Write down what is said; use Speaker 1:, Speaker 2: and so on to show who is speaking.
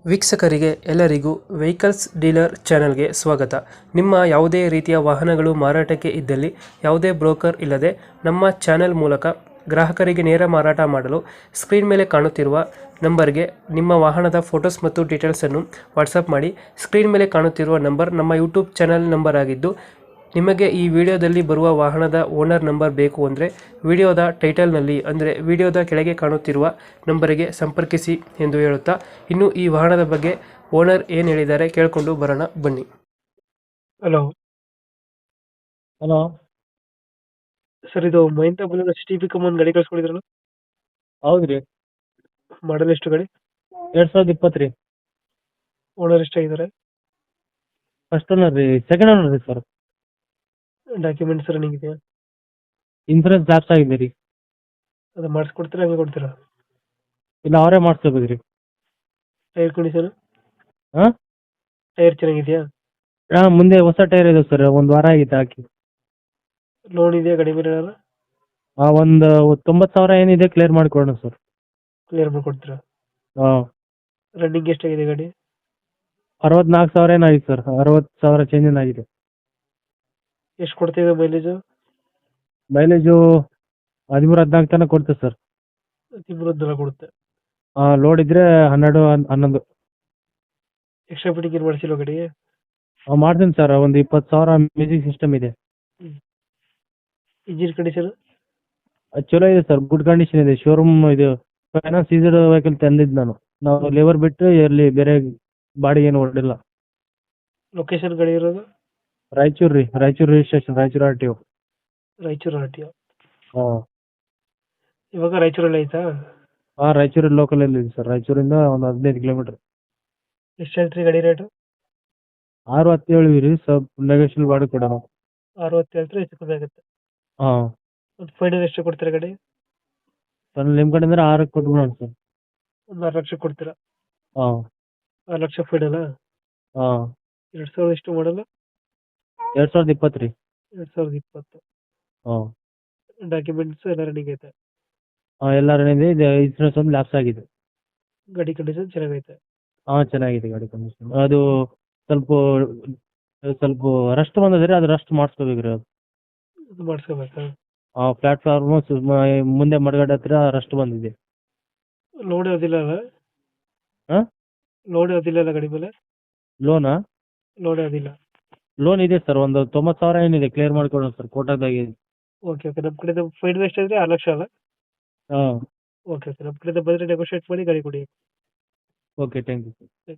Speaker 1: ವೀಕ್ಷಕರಿಗೆ ಎಲ್ಲರಿಗೂ vehicles dealer ಚಾನೆಲ್ಗೆ ಸ್ವಾಗತ. ನಿಮ್ಮ ಯಾವುದೇ ರೀತಿಯ ವಾಹನಗಳು ಮಾರಾಟಕ್ಕೆ ಇದ್ದಲ್ಲಿ ಯಾವುದೇ ಬ್ರೋಕರ್ ಇಲ್ಲದೆ ನಮ್ಮ ಚಾನೆಲ್ ಮೂಲಕ ಗ್ರಾಹಕರಿಗೆ ನೇರ ಮಾರಾಟ ಮಾಡಲು ಸ್ಕ್ರೀನ್ ಮೇಲೆ ಕಾಣುತ್ತಿರುವ ನಂಬರ್ಗೆ ನಿಮ್ಮ ವಾಹನದ ಫೋಟೋಸ್ ಮತ್ತು ಡೀಟೇಲ್ಸನ್ನು ವಾಟ್ಸಪ್ ಮಾಡಿ. ಸ್ಕ್ರೀನ್ ಮೇಲೆ ಕಾಣುತ್ತಿರುವ ನಂಬರ್ ನಮ್ಮ ಯೂಟ್ಯೂಬ್ ಚಾನೆಲ್ ನಂಬರ್ ಆಗಿದ್ದು, ನಿಮಗೆ ಈ ವಿಡಿಯೋದಲ್ಲಿ ಬರುವ ವಾಹನದ ಓನರ್ ನಂಬರ್ ಬೇಕು ಅಂದರೆ ವಿಡಿಯೋದ ಟೈಟಲ್ನಲ್ಲಿ ಅಂದರೆ ವಿಡಿಯೋದ ಕೆಳಗೆ ಕಾಣುತ್ತಿರುವ ನಂಬರಿಗೆ ಸಂಪರ್ಕಿಸಿ ಎಂದು ಹೇಳುತ್ತಾ, ಇನ್ನು ಈ ವಾಹನದ ಬಗ್ಗೆ ಓನರ್ ಏನು ಹೇಳಿದ್ದಾರೆ ಕೇಳಿಕೊಂಡು ಬರೋಣ ಬನ್ನಿ. Hello
Speaker 2: hello.
Speaker 1: ಸರ್, ಇದು ಮಹೇಂದ್ರ ಬುಲೆರೋ STB ಒಂದು ಗಾಡಿ ಕಳ್ಸ್ಕೊಂಡಿದ್ರಲ್ಲ,
Speaker 2: ಹೌದ್ರಿ.
Speaker 1: ಮಾಡಲ್ ಎಷ್ಟು ಗಾಡಿ?
Speaker 2: 2020 ರೀ.
Speaker 1: ಓನರ್ ಎಷ್ಟಾಗಿದ್ದಾರೆ?
Speaker 2: ಫಸ್ಟ್ ಓನರ್ ರೀ. ಸೆಕೆಂಡ್ ಓನರ್ ರೀ ಸರ್.
Speaker 1: ಡಾಕ್ಯುಮೆಂಟ್ಸ್ ರನ್ನಿಂಗ್ ಇದೆಯಾ?
Speaker 2: ಇನ್ಸೂರೆನ್ಸ್ ಲ್ಯಾಪ್ಸ್ ಆಗಿದೆ ರೀ.
Speaker 1: ಅದು ಮಾಡಿಸ್ಕೊಡ್ತೀರಾ, ಹಂಗೆ ಕೊಡ್ತೀರಾ?
Speaker 2: ಇಲ್ಲ, ಅವರೇ ಮಾಡಿಸ್ಕೋಬೇಕು ರೀ.
Speaker 1: Tyre condition?
Speaker 2: ಹಾಂ
Speaker 1: ಟೈರ್ ಚೆನ್ನಾಗಿದೆಯಾ?
Speaker 2: ಹಾಂ, ಮುಂದೆ ಹೊಸ ಟೈರ್ ಇದೆ ಸರ್. ಒಂದು ವಾರ ಆಗಿತ್ತು ಹಾಕಿ.
Speaker 1: ಲೋನ್ ಇದೆಯಾ ಗಾಡಿ ಮೇಲೆ ಏನಾರ?
Speaker 2: ಒಂದು 90,000 ಏನಿದೆ ಕ್ಲಿಯರ್ ಮಾಡಿಕೊಡೋಣ ಸರ್.
Speaker 1: ಕ್ಲಿಯರ್ ಮಾಡ್ಕೊಡ್ತೀರಾ?
Speaker 2: ಹಾಂ,
Speaker 1: ರನ್ನಿಂಗ್ ಎಷ್ಟಾಗಿದೆ ಗಾಡಿ?
Speaker 2: 64,000 ಏನಾಗಿದೆ ಸರ್. 60,000 ಚೇಂಜ್ ಏನಾಗಿದೆ.
Speaker 1: ಎಷ್ಟು ಕೊಡ್ತಿದೆ ಮೈಲೇಜು?
Speaker 2: ಮೈಲೇಜು 13-14 ತನಕ ಕೊಡ್ತೇವೆ ಸರ್.
Speaker 1: ತಿಂಗಳ ಕೊಡುತ್ತೆ.
Speaker 2: ಲೋಡ್ ಇದ್ರೆ 12-11.
Speaker 1: ಎಕ್ಸ್ಟ್ರಾ ಫಿಟ್ಟಿಂಗ್ ಏನು ಮಾಡಿಸಿಲ್ಲ ಗಾಡಿಗೆ?
Speaker 2: ಮಾಡ್ತೀನಿ ಸರ್. ಒಂದು 20,000 ಮ್ಯೂಸಿಕ್ ಸಿಸ್ಟಮ್ ಇದೆ.
Speaker 1: Engine condition?
Speaker 2: ಅದು ಚಲೋ ಇದೆ ಸರ್. ಗುಡ್ ಕಂಡೀಷನ್ ಇದೆ. ಶೋರೂಮ್ ಇದು ಫೈನಾನ್ಸ್ ಸೀಸರ್ಡ್ ವೆಹಿಕಲ್ ತಂದಿದ್ದು ನಾನು. ನಾವು ಲೇಬರ್ ಬಿಟ್ಟು ಇಲ್ಲಿ ಬೇರೆ ಬಾಡಿಗೆ ಏನು ಹೊರಡಿಲ್ಲ.
Speaker 1: ಲೊಕೇಶನ್ ಗಾಡಿ ಇರೋದು?
Speaker 2: ರಾಯಚೂರು ರೀ. Raichur registration, Raichur RTO.
Speaker 1: Raichur RTO.
Speaker 2: ಹಾಂ
Speaker 1: ಇವಾಗ ರಾಯಚೂರಲ್ಲಿ ಐತಾ?
Speaker 2: ಹಾಂ, ರಾಯಚೂರು ಲೋಕಲಲ್ಲಿ ಇದೆ ಸರ್. ರಾಯಚೂರಿಂದ ಒಂದು 15 ಕಿಲೋಮೀಟ್ರ್.
Speaker 1: ಎಷ್ಟು ಹೇಳ್ತೀರಿ ಗಾಡಿ ರೇಟು?
Speaker 2: 6-10 ಹೇಳಿವಿ ರೀ. ಸ್ವಲ್ಪ ನೆಗೋಷಿಯಲ್ ಬಾಡಿಗೆ ಕೊಡೋಣ.
Speaker 1: 60 ಹೇಳ್ತಾರೆ, ಹೆಚ್ಚು ಕಮ್ಮಿ ಆಗುತ್ತೆ.
Speaker 2: ಹಾಂ,
Speaker 1: ಒಂದು ಫೈನಲ್ ಎಷ್ಟು ಕೊಡ್ತೀರಾ ಗಾಡಿ?
Speaker 2: ಸರ್ ನಿಮ್ಮ ಕಡೆಯಿಂದ 6ಕ್ಕೆ ಕೊಟ್ಬಿಡೋಣ ಸರ್.
Speaker 1: ಒಂದು 6 ಲಕ್ಷ ಕೊಡ್ತೀರಾ?
Speaker 2: ಹಾಂ
Speaker 1: 6 ಲಕ್ಷ ಫೈನಲ್ಲ?
Speaker 2: ಹಾಂ.
Speaker 1: 2000 ಎಷ್ಟು ಮಾಡಲ್ಲ?
Speaker 2: 2020 ರೀ.
Speaker 1: 2020.
Speaker 2: ಹಾಂ
Speaker 1: ಡಾಕ್ಯುಮೆಂಟ್ಸ್ ಎಲ್ಲ ರನ್ನಿಂಗ್ ಐತೆ?
Speaker 2: ಹಾಂ, ಎಲ್ಲ ರನ್ನಿಂಗ್ ಇದೆ. ಇನ್ಸೂರೆನ್ಸ್ ಒಂದು ಲ್ಯಾಪ್ಸ್ ಆಗಿದೆ.
Speaker 1: ಗಾಡಿ ಕಂಡೀಷನ್ ಚೆನ್ನಾಗೈತೆ?
Speaker 2: ಹಾಂ, ಚೆನ್ನಾಗಿದೆ ಗಾಡಿ ಕಂಡೀಷನ್. ಅದು ಸ್ವಲ್ಪ ಸ್ವಲ್ಪ ರಸ್ಟ್ ಬಂದಿದೆ. ಅದು ರಸ್ಟ್ ಮಾಡಿಸ್ಕೋಬೇಕು ರೀ. ಅದು
Speaker 1: ಅದು ಮಾಡಿಸ್ಕೋಬೇಕಾ?
Speaker 2: ಪ್ಲಾಟ್ಫಾರ್ಮು ಮುಂದೆ ಮಡಗಡೆ ಹತ್ರ ರಸ್ಟ್ ಬಂದಿದೆ.
Speaker 1: ಲೋಡ್ ಯಾವುದಿಲ್ಲ ಅಲ್ಲ?
Speaker 2: ಹಾಂ,
Speaker 1: ಲೋಡ್ ಯಾವುದಿಲ್ಲ ಅಲ್ಲ ಗಾಡಿ ಮೇಲೆ?
Speaker 2: ಲೋನಾ?
Speaker 1: ಲೋಡ್ ಯಾವುದಿಲ್ಲ?
Speaker 2: ಲೋನ್ ಇದೆ ಸರ್. ಒಂದು 90,000 ಏನಿದೆ ಕ್ಲಿಯರ್ ಮಾಡ್ಕೊಡೋಣ ಸರ್. ಕೋಟಾದಾಗೆ.
Speaker 1: Okay okay. ನಮ್ಮ ಕಡೆಯಿಂದ ಫೈನಲ್ ಎಷ್ಟು ಅಂದರೆ 6 ಲಕ್ಷ ಅಲ್ಲ?
Speaker 2: ಹಾಂ,
Speaker 1: ಓಕೆ ಓಕೆ. ನಮ್ಮ ಕಡೆಯಿಂದ ಬಂದರೆ ನೆಗೋಷಿಯೇಟ್ ಮಾಡಿ ಗಾಡಿ ಕೊಡಿ.
Speaker 2: Okay, thank you.